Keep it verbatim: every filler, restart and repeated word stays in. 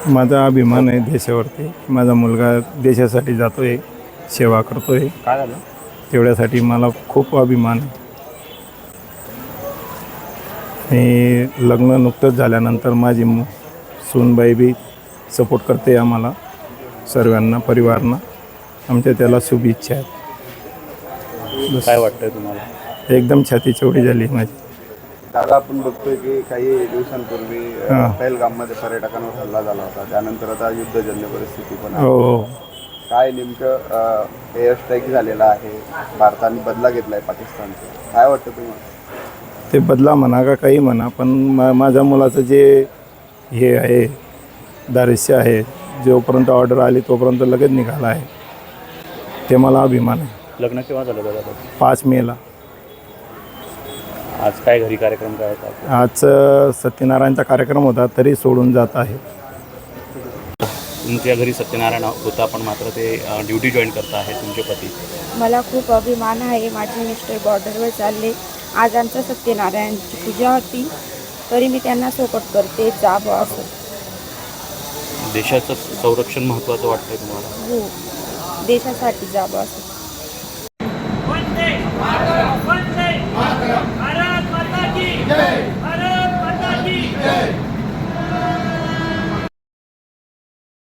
माझा अभिमान आहे देशावरती. माझा मुलगा देशासाठी जातो आहे, सेवा करतो आहे. काय झालं? तेवढ्यासाठी मला खूप अभिमान आहे. आणि लग्न नुकतंच झाल्यानंतर माझी मु सूनबाई बी सपोर्ट करते आम्हाला सर्वांना, परिवारांना. आमच्या त्याला शुभेच्छा आहेत. काय वाटतंय तुम्हाला? एकदम छाती चौडी झाली माझी. दादा, आपण बघतोय की काही दिवसांपूर्वी अ, हां. पहलगाममध्ये पर्यटकांवर हल्ला झाला होता. त्यानंतर आता युद्धजन्य परिस्थिती पण आहे. हो हो काय नेमकं एअर स्ट्राईक झालेला आहे, भारताने बदला घेतला आहे पाकिस्तानचा, काय वाटतं तुम्हाला? ते बदला म्हणा का काही म्हणा, पण मा माझ्या मुलाचं जे हे आहे दारिश्य आहे, जोपर्यंत ऑर्डर आली तोपर्यंत लगेच निघाला आहे. ते मला अभिमान आहे. लग्न केव्हा झालं दादा? पाच मेला. आज काय घरी कार्यक्रम काय होता? आज अ, सत्यनारायणचा कार्यक्रम होता, तरी सोडून जात आहे. तुमच्या घरी सत्यनारायण होता, पण मात्र ते ड्युटी जॉईन करता आहे तुमचे पती. मला खूप अभिमान आहे. माझे मिस्टर बॉर्डरवर चालले. आज आमचं सत्यनारायणची पूजा होती, तरी मी त्यांना सपोर्ट करते. जावं असं. देशाचं संरक्षण महत्त्वाचं वाटतंय तुम्हाला? हो, देशासाठी जावं असं.